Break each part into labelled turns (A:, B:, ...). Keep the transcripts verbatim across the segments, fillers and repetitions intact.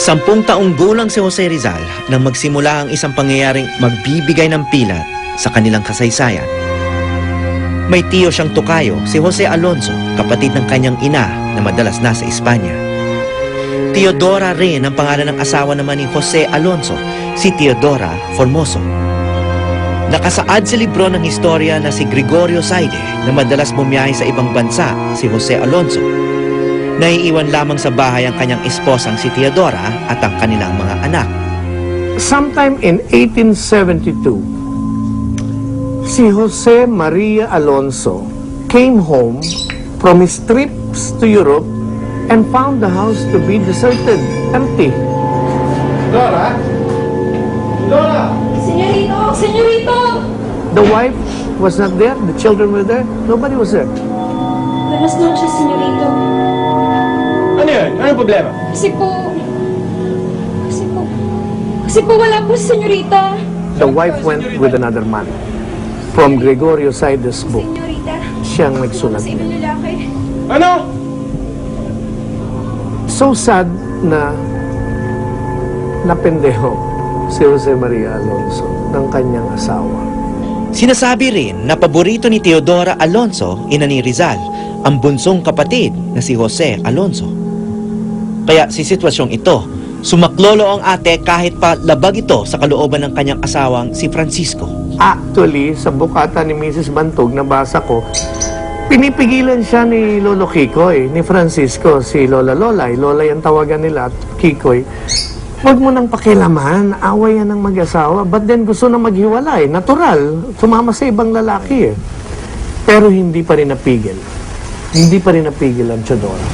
A: Sampung taong gulang si Jose Rizal nang magsimula ang isang pangyayaring magbibigay ng pilat sa kanilang kasaysayan. May tiyo siyang tukayo, si Jose Alonso, kapatid ng kanyang ina na madalas nasa Espanya. Teodora rin ang pangalan ng asawa naman ni Jose Alonso, si Teodora Formoso. Nakasaad sa libro ng historia na si Gregorio Saide na madalas bumiyahe sa ibang bansa, si Jose Alonso. Naiiwan lamang sa bahay ang kanyang esposang si Teodora at ang kanilang mga anak.
B: Sometime in eighteen seventy-two, si Jose Maria Alonso came home from his trips to Europe and found the house to be deserted, empty. Dora? Dora!
C: Senyorito! Senyorito!
B: The wife was not there, the children were there, nobody was there.
C: Buenas noches, senyorito.
D: Ano yun? Anong problema?
C: Kasi po... Kasi po... Kasi po wala po si senyorita.
B: The wife went with another man. From Gregorio Saide's book,
C: Senyorita.
B: siyang nagsulat
C: Sa ibang
B: niya.
C: lalaki.
D: Ano?
B: So sad na napendeho si Jose Maria Alonso ng kanyang asawa.
A: Sinasabi rin na paborito ni Teodora Alonso, ina ni Rizal, ang bunsong kapatid na si Jose Alonso. Kaya si sitwasyong ito, sumaklolo ang ate kahit pa labag ito sa kalooban ng kanyang asawang si Francisco.
B: Actually, sa bukata ni Missus Bantog, nabasa ko, pinipigilan siya ni Lolo Kikoy, ni Francisco, si Lola Lolay. Lolay ang tawagan nila at Kikoy. Huwag mo nang pakilaman, away yan ng mag-asawa. But then gusto na maghiwalay, natural, sumama sa ibang lalaki eh. Pero hindi pa rin napigil. Hindi pa rin napigil ang Teodora.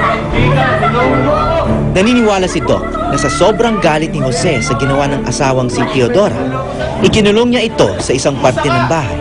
A: Naniniwala si Doc na sa sobrang galit ni Jose sa ginawa ng asawang si Teodora, ikinulong niya ito sa isang parte ng bahay.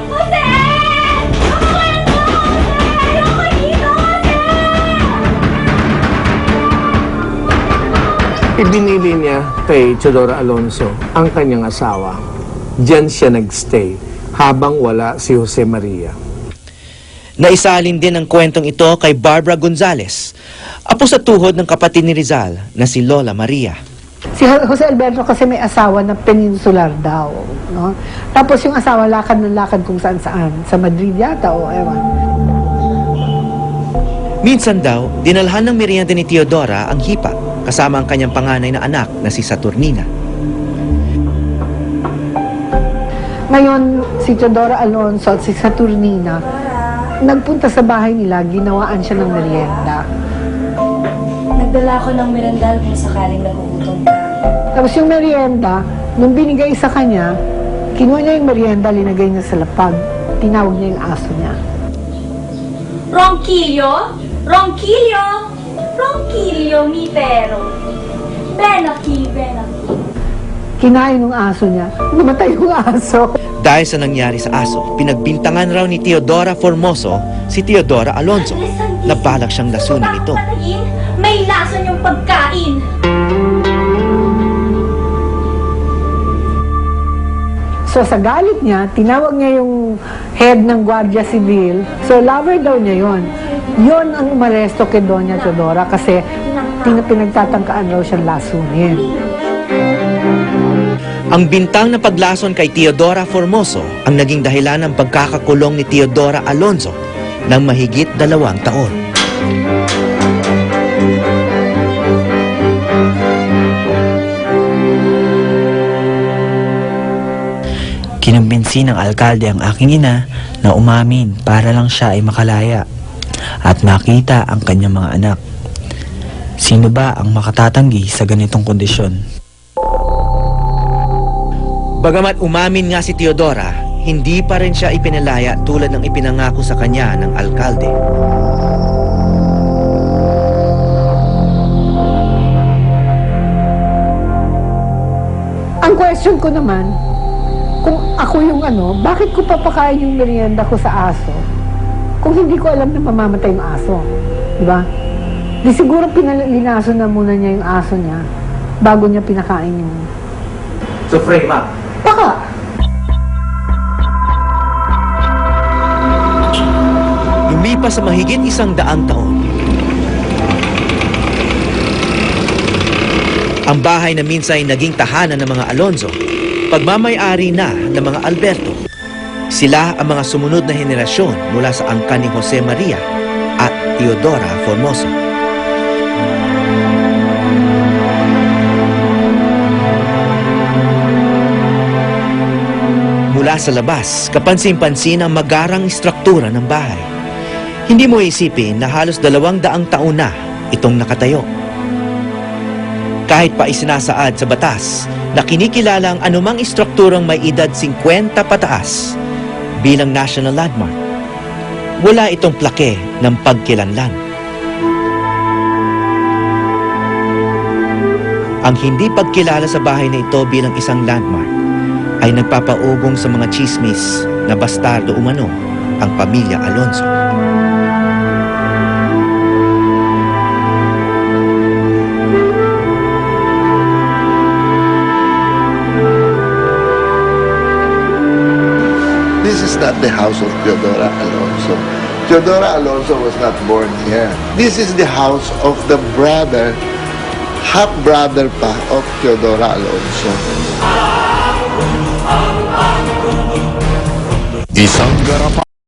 B: Ibinili niya kay Teodora Alonso ang kanyang asawa. Diyan siya nagstay habang wala si Jose Maria.
A: Naisalin din ang kwentong ito kay Barbara Gonzales, apo sa tuhod ng kapatid ni Rizal na si Lola Maria.
E: Si Jose Alberto kasi may asawa na peninsular daw, no? Tapos yung asawa lakad ng lakad kung saan-saan, sa Madrid yata o ewan.
A: Minsan daw, dinalhan ng merienda ni Teodora ang hipa kasama ang kanyang panganay na anak na si Saturnina.
E: Ngayon, si Teodora Alonso at si Saturnina, nagpunta sa bahay nila, ginawaan siya ng merienda.
C: Nagdala ako ng merendal kung sakaling nagugutom ka.
E: Tapos yung merienda, nung binigay sa kanya, kinuha niya yung merienda, linagay niya sa lapag. Tinawag niya yung aso niya.
C: Ronquillo? Ronquillo? Ronquillo, mi pero. Ven aquí, ven aquí.
E: Kinain ng aso niya. Namatay yung aso.
A: Dahil sa nangyari sa aso, pinagbintangan raw ni Teodora Formoso si Teodora Alonso na balak siyang lasunin ito.
C: May lason yung pagkain.
E: So sa galit niya, tinawag niya yung head ng Guardia Civil. So lover daw niya yon. Yon ang umaresto kay Doña Teodora kasi tin- pinagtatangkaan raw siyang lasunin.
A: Ang bintang na paglason kay Teodora Formoso ang naging dahilan ng pagkakakulong ni Teodora Alonso ng mahigit dalawang taon.
F: Kinumbinsi ng alkalde ang aking ina na umamin para lang siya ay makalaya at makita ang kanyang mga anak. Sino ba ang makatatanggi sa ganitong kondisyon?
A: Bagamat umamin nga si Teodora, hindi pa rin siya ipinalaya tulad ng ipinangako sa kanya ng alkalde.
E: Ang question ko naman, kung ako yung ano, bakit ko papakain yung merienda ko sa aso kung hindi ko alam na mamamatay yung aso? Diba? Di siguro pinalinaso na muna niya yung aso niya bago niya pinakain yung...
A: So frame up.
E: Baka!
A: Lumipas sa mahigit isang daang taon. Ang bahay na minsan ay naging tahanan ng mga Alonzo, pagmamay-ari na ng mga Alberto. Sila ang mga sumunod na henerasyon mula sa angkan ni Jose Maria at Teodora Formoso. Mula sa labas, kapansin-pansin ang magarang istruktura ng bahay. Hindi mo isipin na halos dalawang daang taon na itong nakatayo. Kahit pa isinasaad sa batas na kinikilala ang anumang istrukturang may edad fifty pataas bilang national landmark, wala itong plake ng pagkilanlan. Ang hindi pagkilala sa bahay na ito bilang isang landmark ay nagpapaugong sa mga chismis na bastardo umano ang pamilya Alonzo.
G: This is not the house of Teodora Alonso. Teodora Alonso was not born here. This is the house of the brother, half-brother pa of Teodora Alonso.
H: Isang garapa